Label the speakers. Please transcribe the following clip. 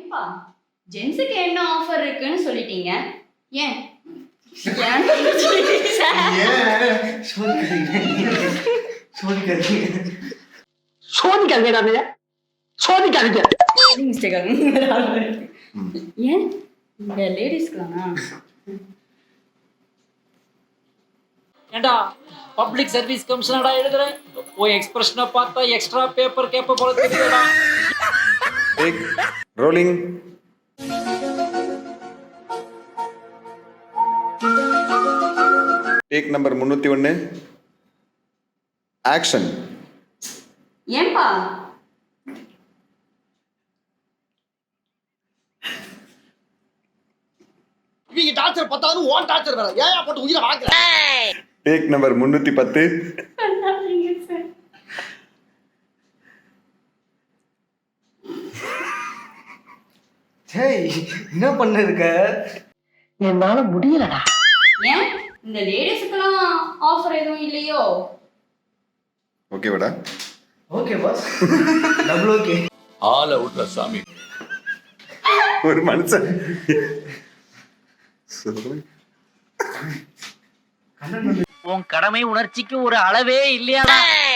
Speaker 1: ஏன்பா ஜென்ஸுக்கு என்ன ஆஃபர் இருக்குன்னு சொல்லிட்டீங்க ஏன் ஏன் இந்த லேடிஸ்க்குலாமா
Speaker 2: ஏண்டா பப்ளிக் சர்வீஸ் கமிஷனடா எழுதுற ஓ எக்ஸ்பிரஷனை பார்த்தா எக்ஸ்ட்ரா பேப்பர் கேப்ப போல தெரியுதுடா
Speaker 3: take rolling. Take number 301 action.
Speaker 1: ஏன்பா
Speaker 4: இவங்க டார்ச்சர் பத்தாது ஓன் டார்ச்சர் வேற ஏன் போட்டு உயிரை வாங்குற.
Speaker 3: டேக் நம்பர் 310
Speaker 5: டேய் என்ன பண்ணிருக்க?
Speaker 4: என்னால முடியலடா.
Speaker 1: ஏன் இந்த லேடிஸ்க்குலாம் ஆஃபர் எதுவும் இல்லையோ?
Speaker 3: ஓகேவாடா?
Speaker 5: Okay boss. Double okay.
Speaker 6: ஆள விட்ற சாமி.
Speaker 3: ஒரு மனுஷன்
Speaker 2: உன் கடமை உணர்ச்சிக்கு ஒரு அளவே இல்லையாடா.